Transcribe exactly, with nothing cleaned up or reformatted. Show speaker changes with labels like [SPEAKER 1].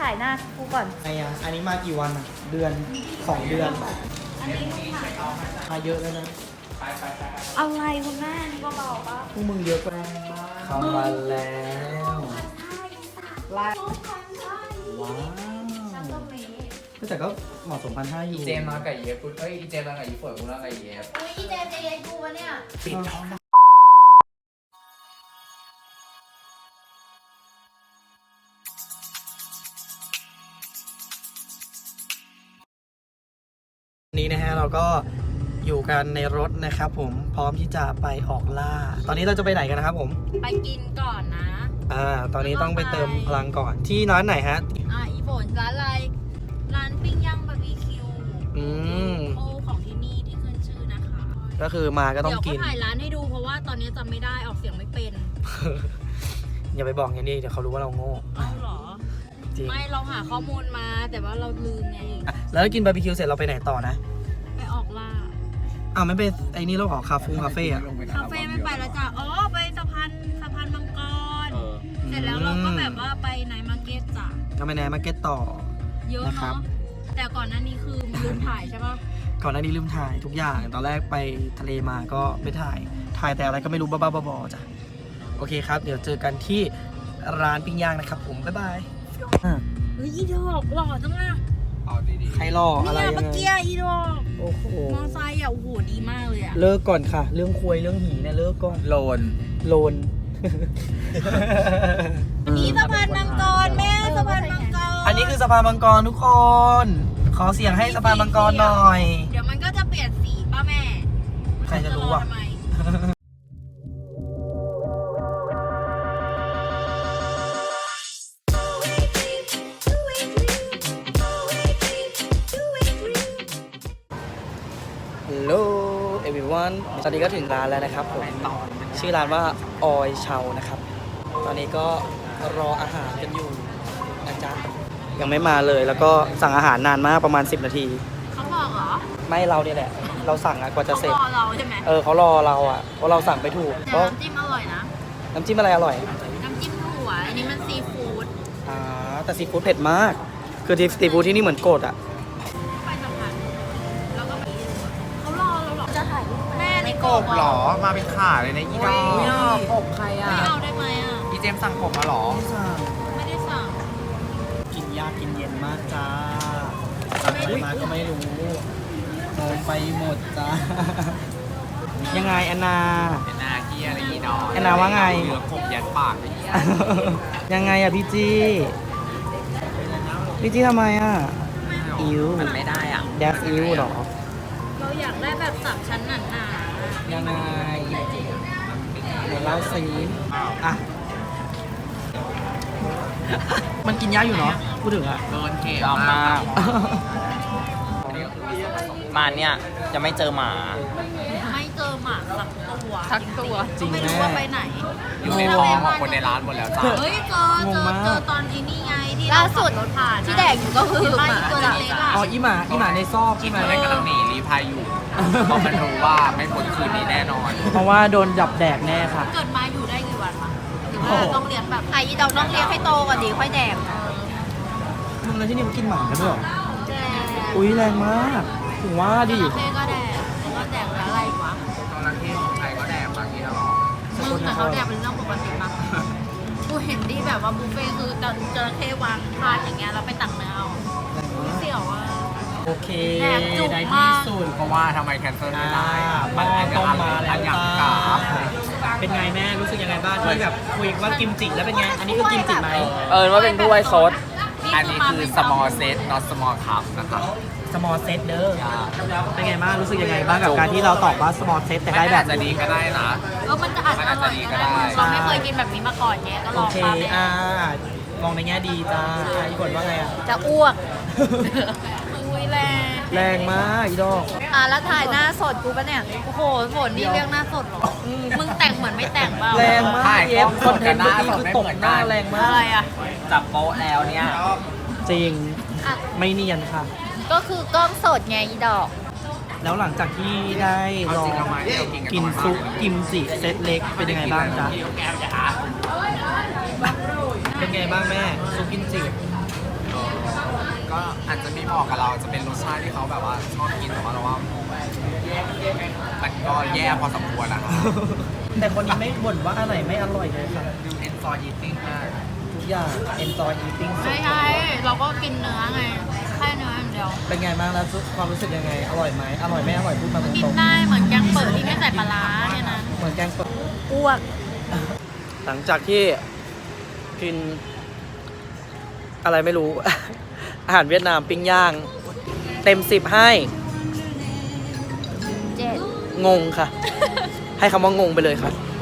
[SPEAKER 1] ถ่ายหน้ากูก่อน
[SPEAKER 2] ไงอ่ะอันนี้มากี่วันอ่ะเดือนสองเดือนอันนี้มาเยอะแล้วนะ
[SPEAKER 1] อะไรคุณแม่นี่ก็เบาปะ
[SPEAKER 2] พวกมึงเยอะไปเข้ามาแล้วว้าวแต่ก็เหมาะสมพันห้าอยู่
[SPEAKER 3] อีเจมมากับเย็บกูเอ้ยอีเจมมากับอีฝนกูน่ากับเย็บ
[SPEAKER 1] อุ้ยอีเจมจะเย็นกูวะเนี่ย
[SPEAKER 3] ปิดท้อง
[SPEAKER 2] นี้นะฮะเราก็อยู่กันในรถนะครับผมพร้อมที่จะไปออกล่าตอนนี้เราจะไปไหนกันนะครับผม
[SPEAKER 1] ไปกินก่อนนะ
[SPEAKER 2] อ่าตอนนี้ต้องไปเติมพลังก่อนที่ร้านไหนฮะ
[SPEAKER 1] อ่าอีฝนร้านอะไรร้านปิ้งย่างบาร์บีคิว
[SPEAKER 2] อืม
[SPEAKER 1] โอของที่นี่ที่ขึ้นชื่อนะคะ
[SPEAKER 2] ก็คือมาก็ต้องกิน
[SPEAKER 1] เดี๋ยวเขาถ่ายร้านให้ดูเพราะว่าตอนนี้จำไม่ได้ออกเสียงไม่เป็น
[SPEAKER 2] อย่าไปบอกอย่างนี้เดี๋ยวเขารู้ว่าเราโง่
[SPEAKER 1] เอาหรอ
[SPEAKER 2] จริง
[SPEAKER 1] ไม่เราหาข้อมูลมาแต่ว่าเราลืมไง
[SPEAKER 2] แล้วกินบาร์บีคิวเสร็จเราไปไหนต่อนะ
[SPEAKER 1] ไปออกล่า
[SPEAKER 2] อ้าวไม่ไปไอ้นี่เราออกคาเฟ่คาเฟ่อะ
[SPEAKER 1] คาเฟ่ไม่ไปแล้วจ้ะอ๋อไปสะพานสะพานมังกรเสร็จแล้วเราก็แบบว่าไปไนท์มาร์เก็ตจ้ะ
[SPEAKER 2] ก็ไปไนท์มาร์เก็ตต่อ
[SPEAKER 1] เยอะเนาะแต่ก่อนหน้านี้คือลืมถ่ายใช่ปะ
[SPEAKER 2] ก่อนหน้านี้ลืมถ่ายทุกอย่างตอนแรกไปทะเลมาก็ไม่ถ่ายถ่ายแต่อะไรก็ไม่รู้บ้าๆบอๆจ้ะโอเคครับเดี๋ยวเจอกันที่ร้านปิ้งย่างนะครับผมบ๊ายบาย
[SPEAKER 1] เฮ้ยอีดอกหล่อจังอะ
[SPEAKER 2] ใครหล่ออะไร
[SPEAKER 1] เนี่ยเมื่อกี้อีดอก
[SPEAKER 2] โอ้โห
[SPEAKER 1] มอไซค์อ่ะโอ้โหดีมากเลยอ่ะ
[SPEAKER 2] เลิกก่อนค่ะเรื่องคุยเรื่องหีเนี่ยเลิกก่อน
[SPEAKER 3] โลน
[SPEAKER 2] โลน
[SPEAKER 1] อันนี้สะพานมังกรแม่สะพานมังกร
[SPEAKER 2] อันนี้คือสะพานมังกรทุกคนขอเสียงให้สะพานมังกรหน่อย
[SPEAKER 1] เดี๋ยวมันก็จะเปลี่ยนสีป่ะแม่
[SPEAKER 2] ใครจะรู้อ่ะฮัลโหล everyone ตอนนี้ก็ถึงร้านแล้วนะครับผมชื่อร้านว่าออยเชานะครับตอนนี้ก็รออาหารกันอยู่นะจ๊ะยังไม่มาเลยแล้วก็สั่งอาหารนานมากประมาณสิบนาที
[SPEAKER 1] เขาบอกเหรอ
[SPEAKER 2] ไม่เราเนี่ยแหละเราสั่งอะกว่าจะเสร็จ
[SPEAKER 1] เขารอเราใช่ไหม
[SPEAKER 2] เออเขารอเราอะเพราะเราสั่งไปถูก
[SPEAKER 1] แต่น้ำจิ้มอร่อยนะ
[SPEAKER 2] น้ำจิ้มอะไรอร่อย
[SPEAKER 1] น้ำจิ้มถั่วอันนี้มันซีฟู้ด
[SPEAKER 2] อ่าแต่ซีฟู้ดเผ็ดมากคือที่ซีฟู้ดที่นี่เหมือนโกดอะ
[SPEAKER 3] กบหรอมาเป็นขาเลยนะอีดอก
[SPEAKER 1] กบใครอ่ะไม่เอาได้ไหมอ่ะ
[SPEAKER 3] อีเจมสั่งกบมาหรอ
[SPEAKER 1] ไม่ได้สั่ง
[SPEAKER 2] กินยากกินเย็นมากจ้าอะไรมาก็ไม่รู้โดนไปหมดจ้ายังไงแอนนา
[SPEAKER 3] แอนนาเกียอะไรอีดอก
[SPEAKER 2] แอนนาว่าไง
[SPEAKER 3] เหลือกบยัดปาก
[SPEAKER 2] ยังไงอะพี่จีพี่จีทำไมอะอิว
[SPEAKER 3] มันไม่ได้อ่ะ
[SPEAKER 2] แดฟอิวหรอ
[SPEAKER 1] เราอยากได้แบบสามชั้นหนาๆ
[SPEAKER 2] ยังไงเดี๋ยวเล่าซีอ่ะมันกินยากอยู่เนาะพูดถึงอะ
[SPEAKER 3] โดนเข็มมากมาเนี่ยจะไม่เจอหมา
[SPEAKER 1] ไม่เจอหมาสักตัว
[SPEAKER 3] สักตัว
[SPEAKER 2] จริง
[SPEAKER 1] ไม่รู้ว่าไปไหน
[SPEAKER 3] อยู่ในท้องของคนในร้านหมดแล้วจ้า
[SPEAKER 1] เฮ้ยเจอเจอเจอตอนนี้นี่ไงที่ล่าสุดรถผ่านที่แดกอยู่ก็คือหมาตัวเล็กๆ
[SPEAKER 2] อ๋ออีหมาอีหมาในซอก
[SPEAKER 3] อีหมาในกำลังหนีรีพายอยู่เพราะมันรู้ว่าไม่พ้นคืนนี้แน่นอน
[SPEAKER 2] เพราะว่าโดนจับแดกแน่ค่ะ
[SPEAKER 1] เกิดมาอยู่ได้กี่วันวะหรือว่าต้องเลี้ยงแบบไอ้เราต้องเลี้ยงให้โตก่อนดีค่อยแดก
[SPEAKER 2] มึงแล้วที่นี่มันกินหมากันด้วยหรออุ้ยแรงมากถึงว่าดิ
[SPEAKER 1] จระเข้ก็แดกแล้วก็แดกแล้วอะไรวะ
[SPEAKER 3] จระเข้ของไทยก็แดกบางทีตลอด
[SPEAKER 1] มึงแต่เขาแดกเป็นเรื่องปกติมากกูเห็นที่แบบว่าบุฟเฟ่คือจระเข้วางพาดอย่างเงี้ยแล้วไปตักเนื้อเอาเสี่ยวอ่ะ
[SPEAKER 2] โอเคได้ที่สุด
[SPEAKER 3] เพราะว่าทำไมแคนเซิลไม่ได้
[SPEAKER 2] มันต้มมาแล้ว
[SPEAKER 3] อย่างกา
[SPEAKER 2] เป็นไงแม่รู้สึกยังไงบ้างที่แบบคุยว่ากิมจิแล้วเป็นไงอันนี้คือกิมจิไหม
[SPEAKER 3] เออว่าเป็นด้วยซดอันนี้คือ small set not small cup นะครับ
[SPEAKER 2] small set เด้อเป็นไงบ้างรู้สึกยังไงบ้างกับการที่เราตอบว่า small set แต่ได้แบบ
[SPEAKER 3] จะดีก็ได้นะ
[SPEAKER 1] เออมันจะอาจจะดีก็ได้เราไม่เคยกินแบบนี้มาก่อนไงก็ลอง
[SPEAKER 2] โอเคอ่ามองในแง่ดีจ้าอีกคนว่าไงอ่ะ
[SPEAKER 1] จะอ้วกอุ้ยแรง
[SPEAKER 2] แรงมากอีดอก
[SPEAKER 1] อ่ะแล้วถ่ายหน้าสดกูปะเนี่ยโอ้โหฝนนี่เรียกหน้าสดหรอมึงแต่งเหมือนไม่แต่งเปล่า
[SPEAKER 2] แรงมากเอฟคอนเทนต์เมื่อกี้คือตกหน้าแรงมาก
[SPEAKER 1] อะไรอ่ะ
[SPEAKER 3] จับโป๊ะแล้วเนี่ย
[SPEAKER 2] จริงไม่เนียนค่ะ
[SPEAKER 1] ก็คือกล้องสดไงอีดอก
[SPEAKER 2] แล้วหลังจากที่ได้ลองกินซุปกิมจิเซตเล็กเป็นยังไงบ้างจ๊ะเป็นไงบ้างแม่ซุปกิมจิ
[SPEAKER 3] เออก็อาจจะไม่เหมาะกับเราจะเป็นรสชาติที่เขาแบบว่าชอบกินแต่ว่าเราว่ามันก็แย่พอสมควรนะครับ
[SPEAKER 2] แต่คนนี้ไม่บ่นว่าอันไหนไม่อร่อยเลยค่ะ
[SPEAKER 3] ดู enjoy eating มาก
[SPEAKER 2] ทุกอย่าง enjoy eating สุด
[SPEAKER 1] ไม่ใช่เราก็กินเนื้อไงแค่เนื้ออย่างเดียว
[SPEAKER 2] เป็นไงบ้างแล้วความรู้สึกยังไง อร่อยไหมอร่อยไม่อร่อยพูดมาต
[SPEAKER 1] กิ
[SPEAKER 2] ร
[SPEAKER 1] น
[SPEAKER 2] ง
[SPEAKER 1] ได้เหมือนแกงเปิดที่ไม่ใส่ปลาร้าเนี่ยนะ
[SPEAKER 2] ๆเหมือนแกงสด
[SPEAKER 1] อ้วก
[SPEAKER 2] หลังจากที่กินอะไรไม่รู้ อาหารเวียดนามปิ้งย่าง เต็มสิบให้
[SPEAKER 1] เจ็ด
[SPEAKER 2] งงค่ะ ให้คำว่างงไปเลยค่ะ